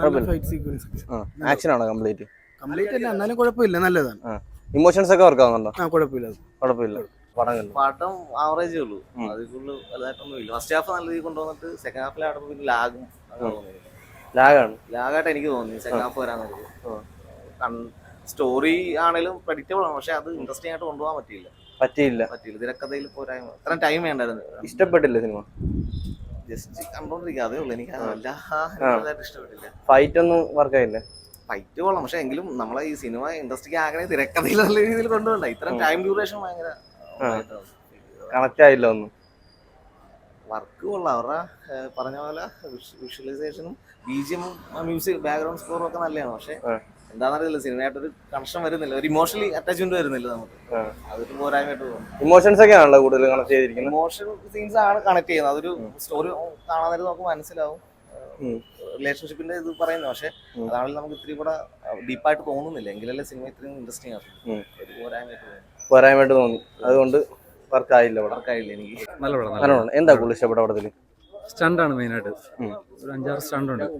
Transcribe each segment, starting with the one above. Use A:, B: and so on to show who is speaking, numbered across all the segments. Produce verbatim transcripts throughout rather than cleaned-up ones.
A: നല്ല fight sequence
B: action ആണോ complete?
A: Complete അല്ല, എന്നാലും കുഴപ്പമില്ല, നല്ലതാണ്.
B: ഇമോഷൻസ് ഒക്കെ വർക്ക് ആവുന്നുണ്ടോ?
A: ആ കുഴപ്പമില്ല
B: കുഴപ്പമില്ല. പടം
C: പടം ആവറേജേ ഉള്ളൂ, അതിൽ കൂടുതൽ വലുതായിട്ടൊന്നും ഇല്ല. ഫസ്റ്റ് ഹാഫ് നല്ല രീതിയിൽ കൊണ്ടുവന്നിട്ട് സെക്കൻഡ് ഹാഫിൽ ആടുമ്പോൾ പിന്നെ ലാഗും
B: ലാഗാണ്
C: ലാഗായിട്ട് എനിക്ക് തോന്നി സെക്കൻഡ് ഹാഫ് വരാൻ നോക്കി. സ്റ്റോറി ആണെങ്കിലും പ്രഡിക്റ്റബിൾ ആണ്, പക്ഷെ അത് ഇൻട്രസ്റ്റിംഗ് ആയിട്ട് കൊണ്ടുപോകാൻ പറ്റിയില്ല
B: പറ്റിയില്ല
C: പറ്റിയില്ല തിരക്കഥയിൽ പോരായ്മ. ഇത്ര ടൈം വേണ്ടായിരുന്നു.
B: ഇഷ്ടപ്പെട്ടില്ല സിനിമ?
C: ജസ്റ്റ് കണ്ടോണ്ടിരിക്കുക, അതേ ഉള്ളൂ. എനിക്ക് വലുതായിട്ട് ഇഷ്ടപ്പെട്ടില്ല.
B: ഫൈറ്റ് ഒന്നും വർക്ക് ആയില്ല?
C: ഫൈറ്റ് കൊള്ളാം, പക്ഷെ എങ്കിലും നമ്മളെ ഈ സിനിമ ഇൻട്രസ്റ്റിംഗ് ആകണേ തിരക്കഥയിൽ നല്ല രീതിയിൽ കൊണ്ടുപോകണ്ട. ഇത്ര ടൈം ഡ്യൂറേഷൻ ഭയങ്കര
B: കണക്ട് ആയില്ല ഒന്നും.
C: വർക്ക് കൊള്ളാം, അവരുടെ പറഞ്ഞ പോലെ വിഷ്വലൈസേഷനും ബി ജി എമ്മും മ്യൂസിക് ബാക്ക്ഗ്രൗണ്ട് സ്കോറും ഒക്കെ നല്ലതാണ്. പക്ഷെ എന്താണെന്നറിയില്ല, സിനിമയായിട്ടൊരു കണക്ഷൻ വരുന്നില്ല, ഒരു ഇമോഷണലി അറ്റാച്ച്മെന്റ് വരുന്നില്ല നമുക്ക്. അതൊരു പോരായ്മയായിട്ട് തോന്നുന്നു.
B: ഇമോഷൻസ് ഒക്കെ ആണല്ലോ കൂടുതൽ കണക്ട് ചെയ്തിരിക്കുന്നത്.
C: ഇമോഷണൽ സീൻസ് ആണ് കണക്ട് ചെയ്യുന്നത്. അതൊരു സ്റ്റോറി കാണാൻ നേരം നമുക്ക് മനസ്സിലാവും റിലേഷൻഷിപ്പിന്റെ ഇത് പറയുന്നത്. പക്ഷെ അതാണെങ്കിൽ നമുക്ക് ഇത്തിരി കൂടെ ഡീപ്പായിട്ട് തോന്നുന്നില്ല, എങ്കിലല്ലേ സിനിമ ഇത്രയും ഇൻട്രസ്റ്റിംഗ് ആണ്. ഒരു പോരായ്മയായിട്ട് തോന്നുന്നു
B: പോരായ്മയായിട്ട് തോന്നി, അതുകൊണ്ട് വർക്ക് ആയില്ല.
C: വർക്കായില്ല എനിക്ക്.
B: നല്ല പടം. എന്താ കൂടുതൽ ഇഷ്ടപ്പെട്ട പടത്തില്?
D: സ്റ്റണ്ടാണ് മെയിനായിട്ട്, ഒരു അഞ്ചാറ് സ്റ്റണ്ട് ഉണ്ട്.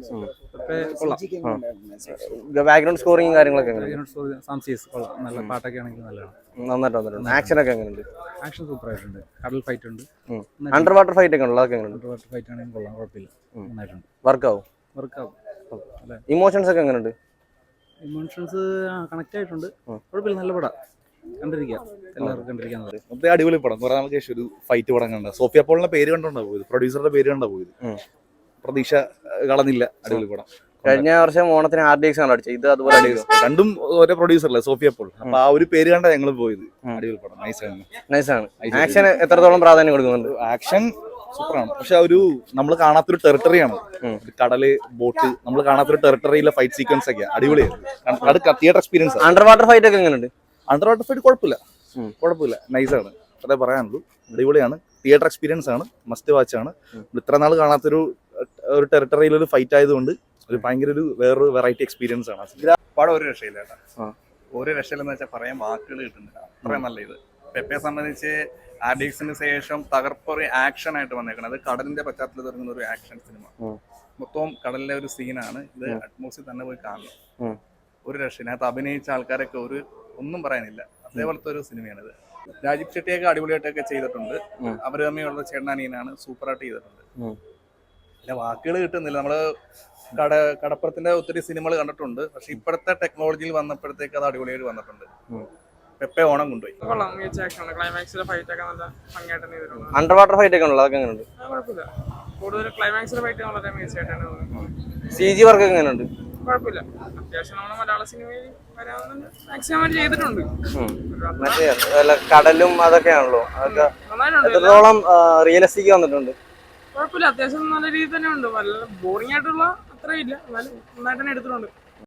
B: ബാക്ക്ഗ്രൗണ്ട് സ്കോറിംഗ് കാര്യങ്ങളൊക്കെ
D: കൊള്ളാം, നല്ല പാട്ടൊക്കെ ആണെങ്കിൽ നല്ലതാണ്,
B: നന്നായിട്ട് വന്നിട്ടുണ്ട്. ആക്ഷൻ ഒക്കെ എങ്ങനെയുണ്ട്?
D: ആക്ഷൻ സൂപ്പർ ആയിട്ടുണ്ട്. കടൽ ഫൈറ്റ് ഉണ്ട്,
B: അണ്ടർ വാട്ടർ ഫൈറ്റ് ഒക്കെ ഉണ്ടോ? അതൊക്കെ എങ്ങനെയുണ്ട്?
D: അണ്ടർ വാട്ടർ ഫൈറ്റ് ആണെങ്കിൽ കൊള്ളാം, കുഴപ്പമില്ല, നന്നായിട്ടുണ്ട്.
B: വർക്കാവും
D: വർക്കാവും.
B: ഇമോഷൻസ് ഒക്കെ എങ്ങനെയുണ്ട്?
D: ഇമോഷൻസ് കണക്ട് ആയിട്ടുണ്ട്, കുഴപ്പമില്ല, നല്ല പടം, കണ്ടിരിക്കാം, എല്ലാവർക്കും കണ്ടിരിക്കാൻ.
E: അടിപൊളി പടം. കുറെ നാൾക്ക് ശേഷം ഒരു ഫൈറ്റ് പടം കണ്ട. സോഫിയ പോളിന്റെ പേര് കണ്ടോണ്ടാ പോയത്, പ്രൊഡ്യൂസറുടെ പേര് കണ്ടാ പോയത്. പ്രതീക്ഷ കളഞ്ഞില്ല, അടിപൊളി പടം.
B: കഴിഞ്ഞ വർഷം ഓണത്തിന് ആർ ഡി എക്സ് ആണ് അടിച്ചത്, ഇത് അതുപോലെ
E: രണ്ടും ഒരേ പ്രൊഡ്യൂസറല്ലേ, സോഫിയ പോൾ. അപ്പൊ ആ ഒരു പേര് കണ്ടാ ഞങ്ങൾ പോയത്. അടിപൊളി പടം, നൈസാണ്.
B: നൈസാണ്. ആക്ഷൻ എത്രത്തോളം പ്രാധാന്യം കൊടുക്കുന്നുണ്ട്?
E: ആക്ഷൻ സൂപ്പറാണ്, പക്ഷെ ഒരു നമ്മൾ കാണാത്തൊരു ടെറിട്ടറിയാണ്. കടല്, ബോട്ട്, നമ്മൾ കാണാത്തൊരു ടെറിട്ടറിയിലെ ഫൈറ്റ് സീക്വൻസ് ഒക്കെ അടിപൊളിയായിരുന്നു. Theatre experience.
B: Under water fight ഒക്കെ എങ്ങനെയുണ്ട്?
E: അണ്ടർ വാട്ടർ ഫൈറ്റ് കുഴപ്പമില്ല, കുഴപ്പമില്ല, നൈസാണ്, അതേ പറയാനുള്ളൂ. അടിപൊളിയാണ്, തിയേറ്റർ എക്സ്പീരിയൻസ് ആണ്, മസ്റ്റ് വാച്ച് ആണ്. ഇത്ര നാൾ കാണാത്തൊരു ഒരു ടെറിട്ടറിയിലൊരു ഫൈറ്റ് ആയതുകൊണ്ട് ഒരു ഭയങ്കര ഒരു വേറൊരു വെറൈറ്റി എക്സ്പീരിയൻസ് ആണ്.
F: പടം ഒരു രക്ഷയില്ല കേട്ടോ, ഒരു രക്ഷയില്ലെന്ന് വെച്ചാൽ പറയാൻ വാക്കുകൾ കിട്ടുന്നില്ല, അത്രയും നല്ല ഇത്. പെപ്പയെ സംബന്ധിച്ച് ആർ ഡി എക്സിന് ശേഷം തകർപ്പൊരു ആക്ഷൻ ആയിട്ട് വന്നേക്കണം. അത് കടലിന്റെ പശ്ചാത്തലത്തിൽ ഇറങ്ങുന്ന ഒരു ആക്ഷൻ സിനിമ, മൊത്തവും കടലിലെ ഒരു സീനാണ്. ഇത് അറ്റ്മോസ്ഫിയർ തന്നെ പോയി കാണണം, ഒരു രക്ഷയിനകത്ത് അഭിനയിച്ച ആൾക്കാരൊക്കെ ഒരു ഒന്നും പറയാനില്ല, അതേപോലത്തെ ഒരു സിനിമയാണിത്. രാജീവ് ഷെട്ടിയൊക്കെ അടിപൊളിയായിട്ടൊക്കെ ചെയ്തിട്ടുണ്ട്. അവര് തമ്മിലുള്ള ചേട്ടനാനിയനാണ് സൂപ്പറായിട്ട് ചെയ്തിട്ടുണ്ട്. പിന്നെ വാക്കുകൾ കിട്ടുന്നില്ല. നമ്മള് കട കടപ്പുറത്തിന്റെ ഒത്തിരി സിനിമകൾ കണ്ടിട്ടുണ്ട്, പക്ഷെ ഇപ്പോഴത്തെ ടെക്നോളജിയിൽ വന്നപ്പോഴത്തേക്ക് അത് അടിപൊളിയായിട്ട് വന്നിട്ടുണ്ട്. പെപ്പെ ഓണം കൊണ്ടുപോയി.
B: അണ്ടർ വാട്ടർ ഫൈറ്റ് ഒക്കെ ഉണ്ടല്ലോ, അതൊക്കെ എങ്ങനെയുണ്ട്?
G: കൂടുതൽ ക്ലൈമാക്സിലെ ഫൈറ്റ് വളരെ മികച്ചമായിട്ടാണ്.
B: സി ജി വർക്ക് ഒക്കെ എങ്ങനെയുണ്ട്?
G: കുഴപ്പമില്ല, അത്യാവശ്യം നമ്മുടെ മലയാള സിനിമയിൽ വരാവുന്ന മാക്സിമം ചെയ്തിട്ടുണ്ട്.
B: മറ്റേ കടലും അതൊക്കെയാണല്ലോ, അതൊക്കെ എത്രത്തോളം റിയലിസ്റ്റിക് വന്നിട്ടുണ്ട്?
G: കുഴപ്പമില്ല, അത്യാവശ്യം നല്ല രീതിയിൽ തന്നെ ഉണ്ട്. നല്ല ബോറിംഗ് ആയിട്ടുള്ള അത്രയും ഇല്ല, എന്നാലും നന്നായിട്ട് തന്നെ എടുത്തിട്ടുണ്ട്.